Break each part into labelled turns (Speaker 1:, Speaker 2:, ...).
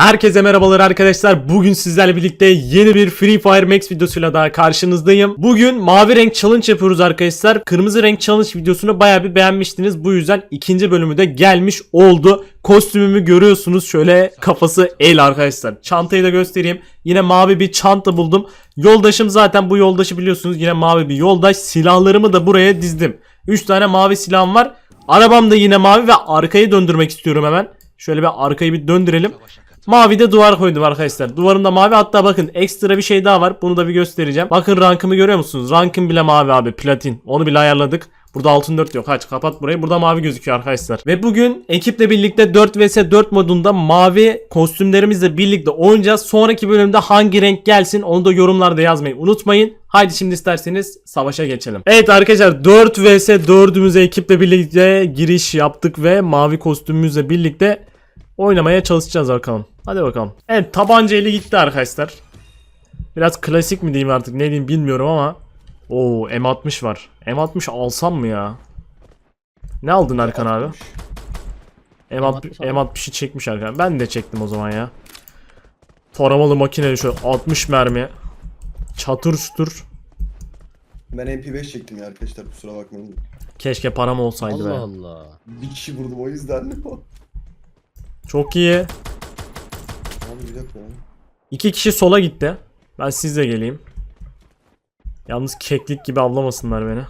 Speaker 1: Herkese merhabalar arkadaşlar. Bugün sizlerle birlikte yeni bir Free Fire Max videosuyla daha karşınızdayım. Bugün mavi renk challenge yapıyoruz arkadaşlar. Kırmızı renk challenge videosunu bayağı bir beğenmiştiniz. Bu yüzden ikinci bölümü de gelmiş oldu. Kostümümü görüyorsunuz. Şöyle kafası el arkadaşlar. Çantayı da göstereyim. Yine mavi bir çanta buldum. Yoldaşım zaten bu yoldaşı biliyorsunuz. Yine mavi bir yoldaş. Silahlarımı da buraya dizdim. 3 tane mavi silahım var. Arabam da yine mavi ve arkayı döndürmek istiyorum hemen. Şöyle bir arkayı bir döndürelim. Mavi de duvar koydum arkadaşlar. Duvarım da mavi. Hatta bakın ekstra bir şey daha var. Bunu da bir göstereceğim. Bakın rankımı görüyor musunuz? Rankım bile mavi abi. Platin. Onu bile ayarladık. Burada altın 4 yok. Aç kapat burayı. Burada mavi gözüküyor arkadaşlar. Ve bugün ekiple birlikte 4 vs 4 modunda mavi kostümlerimizle birlikte oynayacağız. Sonraki bölümde hangi renk gelsin onu da yorumlarda yazmayı unutmayın. Haydi şimdi isterseniz savaşa geçelim. Evet arkadaşlar 4 vs 4'ümüze ekiple birlikte giriş yaptık ve mavi kostümümüzle birlikte oynamaya çalışacağız bakalım. Hadi bakalım. Evet tabanca eli gitti arkadaşlar. Biraz klasik mi diyeyim artık ne diyeyim bilmiyorum ama. Oo M60 var. M60 alsam mı ya? Ne aldın Erkan abi? M60'ı çekmiş Erkan. Ben de çektim o zaman ya. Taramalı makine şöyle 60 mermi. Çatır çutur.
Speaker 2: Ben MP5 çektim ya arkadaşlar, kusura bakmayın.
Speaker 1: Keşke param olsaydı be.
Speaker 3: Allah Allah.
Speaker 2: Bir kişi vurdum o yüzden.
Speaker 1: Çok iyi.
Speaker 2: Abi bir dakika ya.
Speaker 1: 2 kişi sola gitti. Ben sizle geleyim. Yalnız keklik gibi avlamasınlar beni.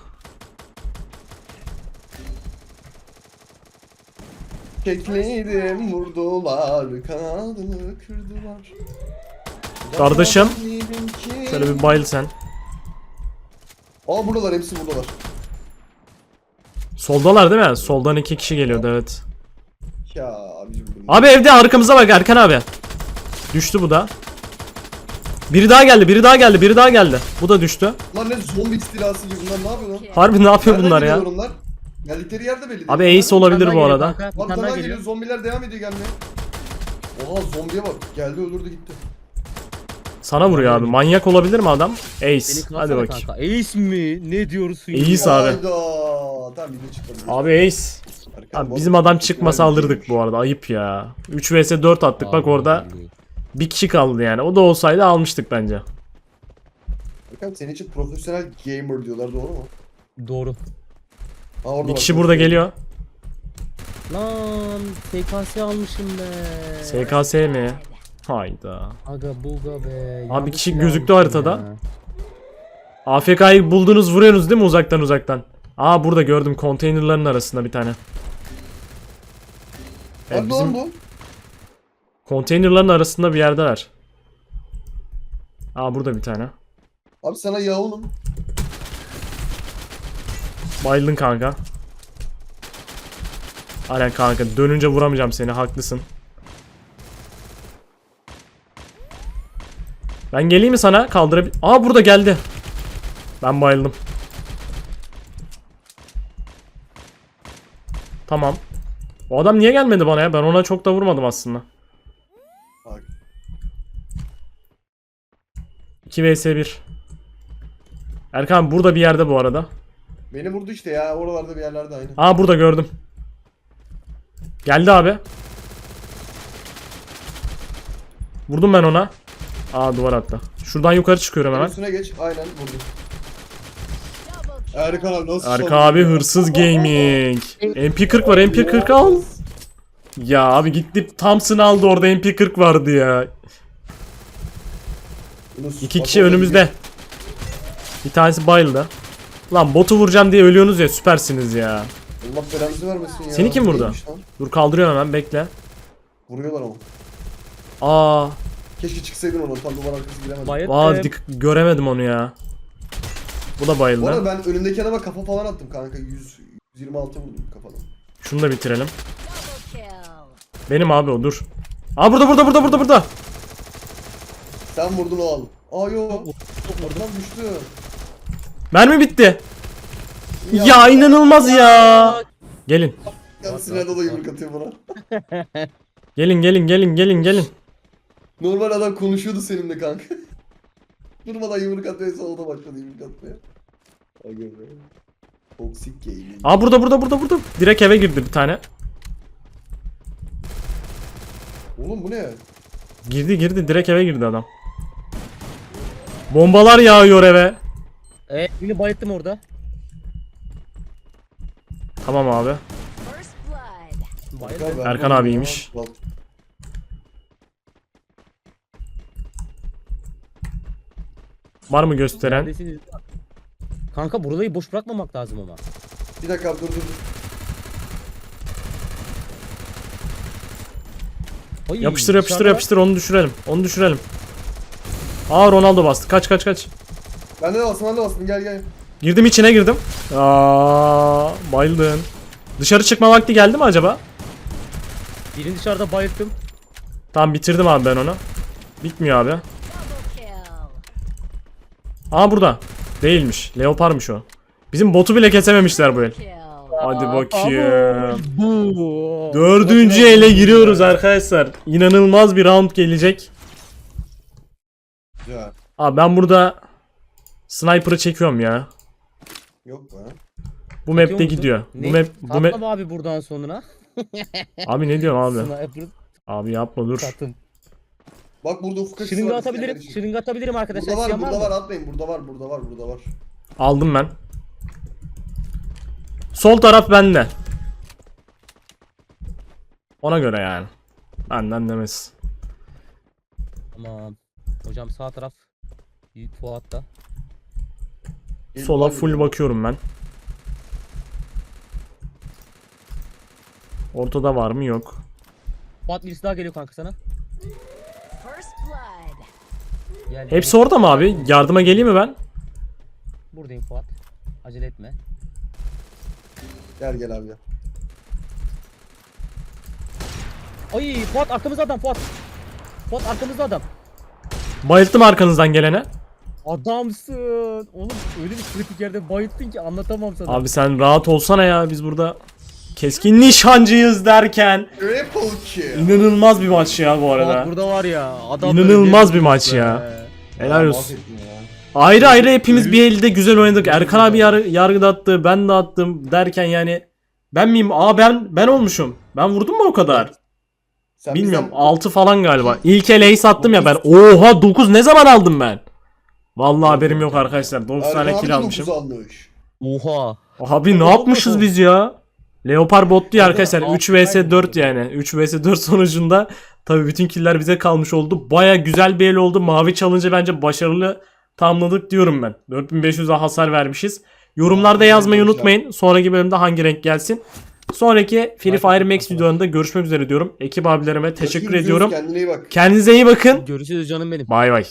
Speaker 2: Kekliydim, vurdular, kanadını kırdılar.
Speaker 1: Kardeşim, şöyle bir bayıl sen.
Speaker 2: Aa buradalar, hepsi buradalar.
Speaker 1: Soldalar değil mi? Soldan 2 kişi geliyordu evet.
Speaker 2: Ya abicim.
Speaker 1: Abi evde arkamıza bak Erkan abi. Düştü bu da. Biri daha geldi, biri daha geldi, biri daha geldi. Bu da düştü.
Speaker 2: Lan ne zombi istilası gibi, bunlar ne yapıyor lan?
Speaker 1: Harbi ne yapıyor
Speaker 2: Nereden
Speaker 1: bunlar ya?
Speaker 2: geliyor onlar? Geldikleri yerde belli değil.
Speaker 1: Abi Ace olabilir bu arada.
Speaker 2: Arkadan geliyor, zombiler devam ediyor gelmeye. Oha zombiye bak, geldi öldürdü gitti.
Speaker 1: Sana vuruyor abi. Manyak olabilir mi adam? Ace. Hadi bakayım.
Speaker 3: Kanka. Ace mi? Ne diyorsun ya?
Speaker 1: Ace abi.
Speaker 2: Hayda. Tamam video çıktı.
Speaker 1: Abi Ace. Abi bizim adam çıkmasa alırdık bu arada. Ayıp ya. 3 vs 4 attık bak orada. Bir kişi kaldı yani. O da olsaydı almıştık bence.
Speaker 2: Bakalım senin için profesyonel gamer diyorlar, doğru mu?
Speaker 3: Doğru.
Speaker 2: Ha, orada
Speaker 1: Bir
Speaker 2: bak,
Speaker 1: kişi burada geliyor.
Speaker 3: Lan SKS almışım be.
Speaker 1: SKS mi? Hayda.
Speaker 3: Aga buga be.
Speaker 1: Abi
Speaker 3: Yanlış
Speaker 1: kişi
Speaker 3: silah
Speaker 1: gözüktü
Speaker 3: almışım
Speaker 1: haritada.
Speaker 3: ya.
Speaker 1: AFK'yı buldunuz vuruyorsunuz değil mi uzaktan? Aa burada gördüm konteynerların arasında bir tane. Evet,
Speaker 2: Hadi lan bu.
Speaker 1: konteynerların arasında bir yerdeler. Aa burada bir tane.
Speaker 2: Abi sana yağunum.
Speaker 1: Bayıldın kanka. Aynen kanka dönünce vuramayacağım seni haklısın. Ben geleyim mi sana kaldırabilir? Aa burada geldi. Ben bayıldım. Tamam. O adam niye gelmedi bana ya? Ben ona çok da vurmadım aslında.
Speaker 2: Bak.
Speaker 1: 2 vs 1. Erkan burada bir yerde bu arada.
Speaker 2: Beni vurdu işte ya, oralarda bir yerlerde aynı.
Speaker 1: Aa burada gördüm. Geldi abi. Vurdum ben ona. Aa duvar attı. Şuradan yukarı çıkıyorum hemen.
Speaker 2: Üstüne geç, aynen vurdum. Erkan abi nasıl
Speaker 1: Erkan abi hırsız gaming. MP40 var, MP40 al. Ya abi gitti Thompson aldı, orada MP40 vardı ya. İki kişi önümüzde. Bir tanesi bayıldı. Lan botu vuracağım diye ölüyorsunuz ya, süpersiniz ya.
Speaker 2: Allah belanızı vermesin ya.
Speaker 1: Seni kim vurdu?
Speaker 2: Neymiş lan?
Speaker 1: Dur kaldırıyorum hemen, bekle.
Speaker 2: Vuruyorlar ama.
Speaker 1: Aa,
Speaker 2: Keşke çıksaydın onu, tam duvar arkası giremedim.
Speaker 3: Bayıldım.
Speaker 1: göremedim onu ya. Bu da
Speaker 2: Bu
Speaker 1: bayıldı.
Speaker 2: arada ben önümdeki adama kafa falan attım kanka, 126 vurdum kafadan.
Speaker 1: Şunu da bitirelim. Benim abi o, dur. Aa burada.
Speaker 2: Sen vurdun, o al. Aa yo. Oradan düştü.
Speaker 1: Mermi bitti. Ya inanılmaz ya. Gelin.
Speaker 2: Ya Sinan'a da yumruk atıyor bana.
Speaker 1: Gelin.
Speaker 2: Normal adam konuşuyordu seninle kanka. Durmadan yumruk atmaya, sonra o da başladı yumruk atmaya. Aga be. Toxic gaming.
Speaker 1: Aa burada. Direkt eve girdi bir tane.
Speaker 2: Oğlum bu ne?
Speaker 1: Girdi direkt eve girdi adam. Bombalar yağıyor eve.
Speaker 3: Birini bayılttım orada.
Speaker 1: Tamam abi.
Speaker 4: First blood.
Speaker 3: Bayıldım.
Speaker 1: Erkan abiymiş. Var mı gösteren?
Speaker 3: Neredesiniz? Kanka burayı boş bırakmamak lazım ama.
Speaker 2: Bir dakika abi, dur.
Speaker 3: Ay,
Speaker 1: Yapıştır
Speaker 3: dışarıda-
Speaker 1: onu düşürelim. Aa Ronaldo bastı. Kaç.
Speaker 2: Ben de bastım gel.
Speaker 1: Girdim içine girdim. Aa bayıldın. Dışarı çıkma vakti geldi mi acaba?
Speaker 3: Birini dışarıda bayılttım.
Speaker 1: Tamam bitirdim abi ben onu. Bitmiyor abi.
Speaker 4: Double kill.
Speaker 1: Aa burada. Değilmiş. Leoparmış o. Bizim botu bile kesememişler bu el.
Speaker 4: Kill.
Speaker 1: Hadi bakayım.
Speaker 3: Bu.
Speaker 1: Dördüncü ele giriyoruz arkadaşlar. İnanılmaz bir round gelecek.
Speaker 2: Ya.
Speaker 1: Abi ben burada sniper'ı çekiyorum ya.
Speaker 2: Yok be.
Speaker 1: Bu map'te
Speaker 3: musun?
Speaker 1: gidiyor.
Speaker 3: Ne?
Speaker 1: Bu map
Speaker 3: Tatlı abi buradan sonra.
Speaker 1: Abi ne diyorsun abi?
Speaker 3: Sniper
Speaker 1: Abi yapma dur.
Speaker 3: tatım.
Speaker 2: Bak burada ufuk açısı
Speaker 3: Şırınga
Speaker 2: var,
Speaker 3: atabilirim.
Speaker 2: kardeşim.
Speaker 3: Şırınga atabilirim arkadaşlar.
Speaker 2: Burada var,
Speaker 3: İsteyen
Speaker 2: burada
Speaker 3: mı?
Speaker 2: var, atmayın. Burada var.
Speaker 1: Aldım ben. Sol taraf bende. Ona göre yani. Benden demez.
Speaker 3: Tamam. Hocam sağ taraf. Fuat'ta.
Speaker 2: Gelin,
Speaker 1: Sola
Speaker 2: hadi
Speaker 1: full
Speaker 2: gidelim.
Speaker 1: bakıyorum ben. Ortada var mı? Yok.
Speaker 3: Fuat birisi daha geliyor kanka sana.
Speaker 4: First blood.
Speaker 3: Gel,
Speaker 1: Hepsi orada mı abi? Yardıma geleyim mi ben?
Speaker 3: Buradayım Fuat. Acele etme.
Speaker 2: Gel abi gel.
Speaker 3: Ay Fuat arkamızda adam Fuat. Fuat arkamızda adam.
Speaker 1: Bayılttım arkanızdan gelene.
Speaker 3: Adamsın. Oğlum öyle bir kritik yerde bayılttın ki anlatamam sana.
Speaker 1: Abi sen rahat olsana ya, biz burada keskin nişancıyız derken.
Speaker 2: Triple kill.
Speaker 1: İnanılmaz bir maç ya bu
Speaker 3: Fuat
Speaker 1: arada.
Speaker 3: burada var ya. Adam
Speaker 1: İnanılmaz
Speaker 3: böyle
Speaker 1: bir maç
Speaker 3: be.
Speaker 1: ya. Helal olsun.
Speaker 2: Mahvettin ya.
Speaker 1: Ayrı ayrı hepimiz bir elde güzel oynadık. Erkan abi yargıda attı, ben de attım derken yani ben miyim? Aa ben olmuşum. Ben vurdum mu o kadar?
Speaker 2: Sen
Speaker 1: Bilmiyorum,
Speaker 2: bizden-
Speaker 1: 6 falan galiba. İlk ele ace attım ya ben. Oha 9 ne zaman aldım ben? Vallahi haberim yok arkadaşlar. 9
Speaker 2: Erkan
Speaker 1: tane
Speaker 2: abi
Speaker 1: kill
Speaker 2: de
Speaker 1: almışım.
Speaker 2: 9 almış.
Speaker 3: Oha.
Speaker 1: Abi ne yapmışız biz ya? Leopard bot diyor arkadaşlar. 3 vs 4 yani. 3 vs 4 sonucunda tabii bütün killer bize kalmış oldu. Baya güzel bir el oldu. Mavi challenge'ı bence başarılı tamamladık diyorum ben. 4500'e hasar vermişiz. Yorumlarda yazmayı unutmayın. Sonraki bölümde hangi renk gelsin. Sonraki Free Fire Max videolarında görüşmek üzere diyorum. Ekip abilerime teşekkür
Speaker 2: Görüşürüz,
Speaker 1: ediyorum.
Speaker 2: Kendine iyi bak.
Speaker 1: Kendinize iyi bakın.
Speaker 3: Görüşürüz canım benim.
Speaker 1: Bay bay.